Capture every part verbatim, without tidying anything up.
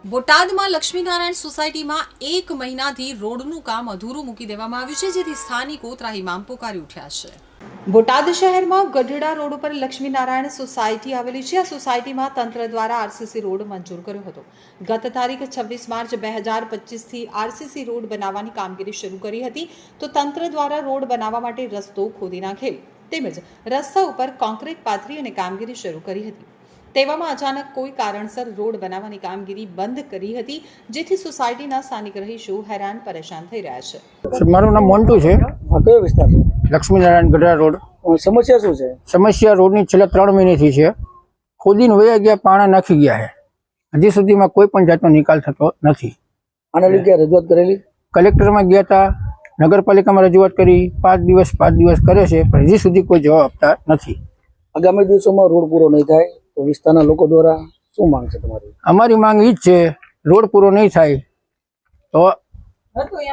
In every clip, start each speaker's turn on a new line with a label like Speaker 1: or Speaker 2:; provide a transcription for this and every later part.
Speaker 1: બોટાદમાં લક્ષ્મીનારાયણ સોસાયટીમાં એક મહિનાથી રોડનું કામ અધૂરું મૂકી દેવામાં આવ્યું છે, જેથી સ્થાનિકો ત્રાહિમામ પોકારી ઉઠ્યા છે. બોટાદ શહેરમાં ગઢડા રોડ ઉપર લક્ષ્મીનારાયણ સોસાયટી આવેલી છે. આ સોસાયટીમાં તંત્ર દ્વારા આરસીસી રોડ મંજૂર કર્યો હતો. ગત તારીખ છવ્વીસ માર્ચ બે હજાર પચીસથી આરસીસી રોડ બનાવવાની કામગીરી શરૂ કરી હતી, તો તંત્ર દ્વારા રોડ બનાવવા માટે રસ્તો ખોદી નાખેલ તેમજ રસ્તા ઉપર કોન્ક્રીટ પાથરી અને કામગીરી શરૂ કરી હતી. તેવામાં અચાનક કોઈ કારણસર રોડ બનાવવાની કામગીરી બંધ કરી હતી, જેથી સોસાયટીના સ્થાનિક રહીશો હેરાન પરેશાન થઈ રહ્યા છે.
Speaker 2: મારું નામ મોન્ટુ છે.
Speaker 3: કયો વિસ્તાર છે?
Speaker 2: લક્ષ્મીનારાયણ ગઢડા રોડ.
Speaker 3: સમસ્યા શું છે?
Speaker 2: સમસ્યા રોડની છેલ્લા ત્રણ મહિનેથી છે. ખોદીને વયા ગયા, પાણા નાખી ગયા છે. હજી સુધીમાં કોઈ પણ જાતનો નિકાલ થતો નથી.
Speaker 3: આના લીધે રજૂઆત કરેલી?
Speaker 2: કલેક્ટરમાં ગયા હતા, નગરપાલિકામાં રજૂઆત કરી, પાંચ દિવસ પાંચ દિવસ કરે છે, પણ હજી સુધી કોઈ જવાબ આપતા નથી.
Speaker 3: આગામી દિવસોમાં રોડ પૂરો નહીં થાય તો વિસ્તારના લોકો દ્વારા શું માંગ છે તમારી?
Speaker 2: અમારી માંગ એ જ છે, રોડ પૂરો નહીં થાય તો હતું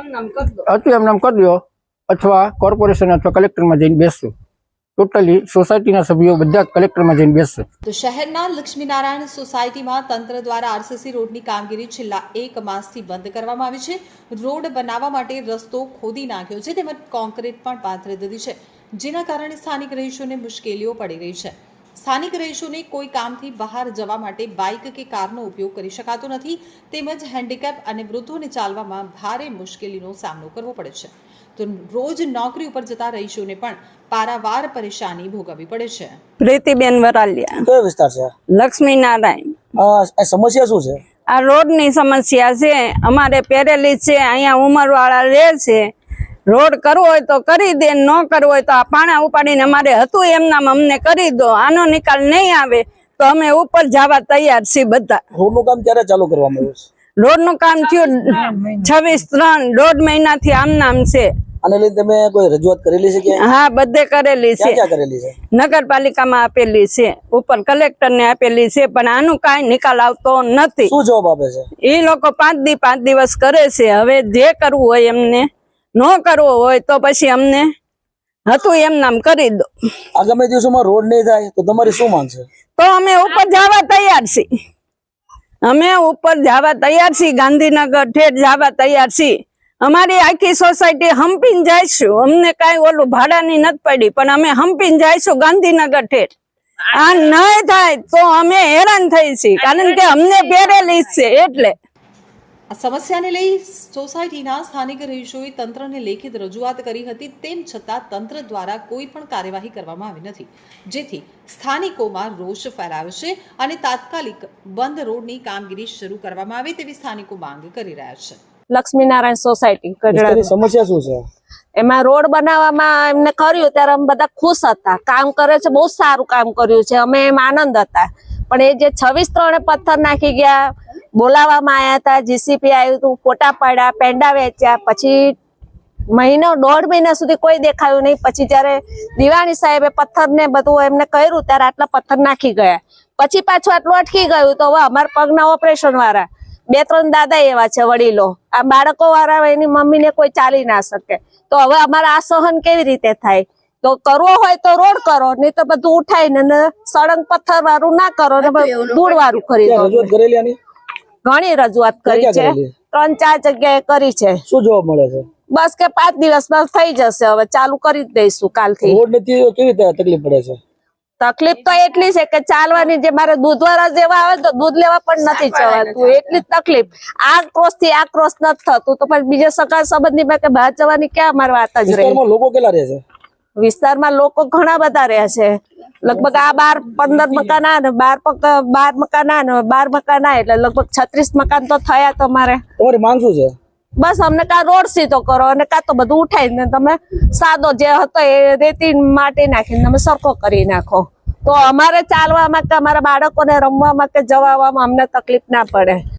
Speaker 2: એમ નામ કરી દો, અથવા કોર્પોરેશન અથવા કલેક્ટરમાં જઈને બેસશું. ટોટલી સોસાયટીના સભ્યો બધા કલેક્ટરમાં જઈને બેસશે.
Speaker 1: તો શહેરના લક્ષ્મીનારાયણ સોસાયટીમાં તંત્ર દ્વારા આરસીસી રોડની કામગીરી છેલ્લા એક માસથી બંધ કરવામાં આવી છે. રોડ બનાવવા માટે રસ્તો ખોદી નાખ્યો છે, તેમજ કોન્ક્રીટ પણ પાથરી દીધી છે, જેના કારણે સ્થાનિક રહીશોને મુશ્કેલીઓ પડી રહી છે. સ્થાનિક રહીશોને કોઈ કામથી બહાર જવા માટે બાઇક કે કારનો ઉપયોગ કરી શકાતો નથી, તેમજ હેન્ડીકેપ અને વૃદ્ધોને ચાલવામાં ભારે મુશ્કેલીનો સામનો કરવો પડે છે. તો રોજ નોકરી ઉપર જતા રહીશોને પણ પારાવાર પરેશાની ભોગવવી પડે છે.
Speaker 4: પ્રીતિબેન વરાલિયા.
Speaker 3: કયો વિસ્તાર છે?
Speaker 4: લક્ષ્મીનારાયણ.
Speaker 3: આ સમસ્યા શું છે?
Speaker 4: આ રોડની સમસ્યા છે. અમારે પેરેલી છે, અહીંયા ઉંમરવાળા રહે છે. રોડ કરવો હોય તો કરી દે, ન કરવો હોય તો આ પાણા ઉપાડીને અમારે હતું એમ નામ અમને કરી દો. આનો નિકાલ નહીં આવે તો અમે ઉપર જવા તૈયાર છીએ બધા.
Speaker 3: રોડનું કામ ક્યારે ચાલુ કરવામાં આવ્યું છે?
Speaker 4: રોડનું કામ થયું છવ્વીસ ત્રણ દોઢ મહિનાથી આમ નામ છે.
Speaker 3: આને લઈને તમે કોઈ રજૂઆત કરેલી છે કે?
Speaker 4: હા, બધે કરેલી છે.
Speaker 3: ક્યાં કરેલી છે?
Speaker 4: નગરપાલિકામાં આપેલી છે, ઉપર કલેક્ટરને આપેલી છે, પણ આનું કાંઈ નિકાલ આવતો નથી.
Speaker 3: શું જવાબ આપે છે?
Speaker 4: એ લોકો પાંચ દી પાંચ દિવસ કરે છે. હવે જે કરવું હોય એમને, ન કરવો હોય તો પછી અમને હતું એમ નામ કરી દો.
Speaker 3: આગામી દિવસોમાં રોડ નહીં થાય તો તમારી શું માંગ છે?
Speaker 4: તો અમે ઉપર જવા તૈયાર છીએ. અમે ઉપર જવા તૈયાર છીએ, ગાંધીનગર ઠેઠ જવા તૈયાર છીએ. અમારી આખી સોસાયટી હંપીને જઈશું. અમને કઈ ઓલું ભાડાની નથી પડી, પણ અમે હંપીને જઈશું ગાંધીનગર ઠેઠ. આ નહીં થાય તો અમે હેરાન થઈ છીએ, કારણ કે અમને પેરેલી છે. એટલે
Speaker 1: આ સમસ્યાને લઈ સોસાયટીના સ્થાનિક રહીશોએ તંત્રને લેખિત રજૂઆત કરી હતી, તેમ છતાં તંત્ર દ્વારા કોઈ પણ કાર્યવાહી કરવામાં આવી નથી, જેથી સ્થાનિકોમાં રોષ ફેલાયો છે અને તાત્કાલિક બંધ રોડની કામગીરી શરૂ કરવામાં આવે તેવી સ્થાનિકો માંગ કરી રહ્યા છે.
Speaker 5: લક્ષ્મીનારાયણ સોસાયટી
Speaker 3: વિસ્તારની સમસ્યા શું છે?
Speaker 5: એમાં રોડ બનાવવામાં એમને કર્યું ત્યારે અમે બધા ખુશ હતા. કામ કરે છે, બહુ સારું કામ કર્યું છે, અમે એમ આનંદ હતા. પણ એ જે છવ્વીસ ત્રણે પથ્થર નાખી ગયા, બોલાવવામાં આવ્યા હતા, જીસીપી આવ્યું હતું, ફોટા પાડ્યા, પેંડા વેચ્યા, પછી મહિનો દોઢ મહિના સુધી કોઈ દેખાયું નહીં. પછી જયારે દિવાણી સાહેબે પથ્થર ને બધું એમને કર્યું ત્યારે આટલા પથ્થર નાખી ગયા. પછી પાછું આટલું અટકી ગયું. તો હવે અમારા પગના ઓપરેશન વાળા બે ત્રણ દાદા એવા છે, વડીલો, આ બાળકો વાળા, એની મમ્મીને કોઈ ચાલી ના શકે. તો હવે અમારે આ સહન કેવી રીતે થાય? તો કરવો હોય તો રોડ કરો, નહીં તો બધું ઉઠાઈને સળંગ પથ્થર વાળું ના કરો, ધૂળ વાળું ખરીદો. ઘણી રજૂઆત કરી છે, ત્રણ ચાર જગ્યાએ કરી છે.
Speaker 3: શું જવાબ મળે છે?
Speaker 5: બસ કે પાંચ દિવસમાં થઈ જશે, હવે ચાલુ કરી દઈશું કાલથી.
Speaker 3: રોડ નથી તો કેવી રીતે તકલીફ પડે છે?
Speaker 5: તકલીફ તો એટલી છે કે ચાલવાની, જે મારે દૂધ વાળા જેવા આવે તો દૂધ લેવા પણ નથી જવાતું, એટલી જ તકલીફ. આ ક્રોસ થી આ ક્રોસ નથી થતું, તો પછી બીજા સગા સંબંધી માં કે બહાર જવાની ક્યાં અમારી વાત જ રહી.
Speaker 3: લોકો કેટલા રહે છે?
Speaker 5: વિસ્તારમાં લોકો ઘણા બધા રહ્યા છે. લગભગ આ બાર પંદર મકાન ને બાર બાર મકાન ને બાર મકાન, એટલે લગભગ છત્રીસ મકાન તો થયા. તમારે
Speaker 3: તમારી માંગ શું છે?
Speaker 5: બસ અમને કા રોડ સીધો કરો, અને કા તો બધું ઉઠાઈને તમે સાદો જે હતો એ રેતી માટી નાખીને તમે સરખો કરી નાખો, તો અમારે ચાલવામાં કે અમારા બાળકોને રમવામાં કે જવામાં અમને તકલીફ ના પડે.